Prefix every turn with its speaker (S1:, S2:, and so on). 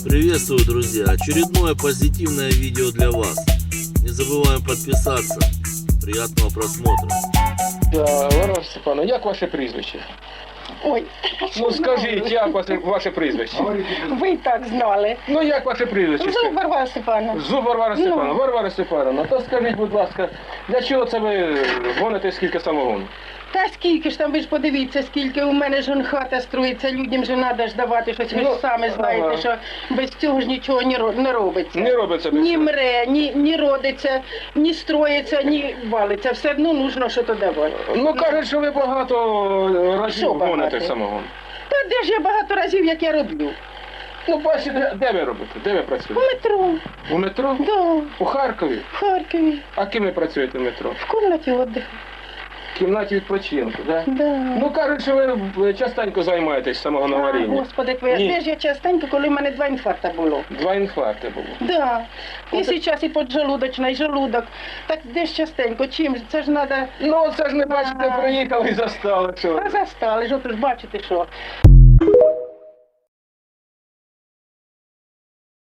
S1: Приветствую, друзья! Очередное позитивное видео для вас. Не забываем подписаться. Приятного просмотра.
S2: Варвара Степановна, як ваше прізвище?
S3: Ой,
S2: Ну скажіть, як ваше прізвище?
S3: ви і так знали.
S2: Ну як ваше прізвище?
S3: Зуб Варвара Степановна.
S2: Зуб Варвара Степановна.
S3: Ну.
S2: Варвара Степановна, то скажіть, будь ласка, для чого це ви гоните скільки самогону?
S3: Та скільки ж там, ви ж подивіться, скільки у мене ж хата строїться, людям же треба ж давати щось, ви ж
S2: Ну,
S3: самі знаєте,
S2: ага.
S3: що без цього ж нічого не робиться.
S2: Не робиться без
S3: Ні
S2: цього.
S3: мре, ні родиться, ні строїться, ні валиться. Все одно нужно щось давати.
S2: Ну кажуть, що ви багато разів
S3: Що багато?
S2: гоните самогон.
S3: Та де ж я багато разів, як я роблю?
S2: Ну бачите, де ви робите? Де ви
S3: У
S2: працюєте?
S3: метро,
S2: У метро?
S3: да,
S2: У Харкові?
S3: в Харкові,
S2: А ким ви працюєте в метро?
S3: в кімнаті віддиху.
S2: В кімнаті відпочинку, так? Да?
S3: Да.
S2: Ну кажуть, що ви частенько займаєтесь самогоноварінням.
S3: Господи, твоя,
S2: Ні.
S3: де ж я частенько, коли в мене 2 інфаркта було.
S2: 2 інфаркти було.
S3: Да. І
S2: Оце-
S3: зараз і поджелудочна, і желудок. Так де ж частенько, чим? Це ж треба...
S2: Ну це ж не бачите,
S3: Ага.
S2: приїхали і застали, що.
S3: А застали ж, от ж бачите, що.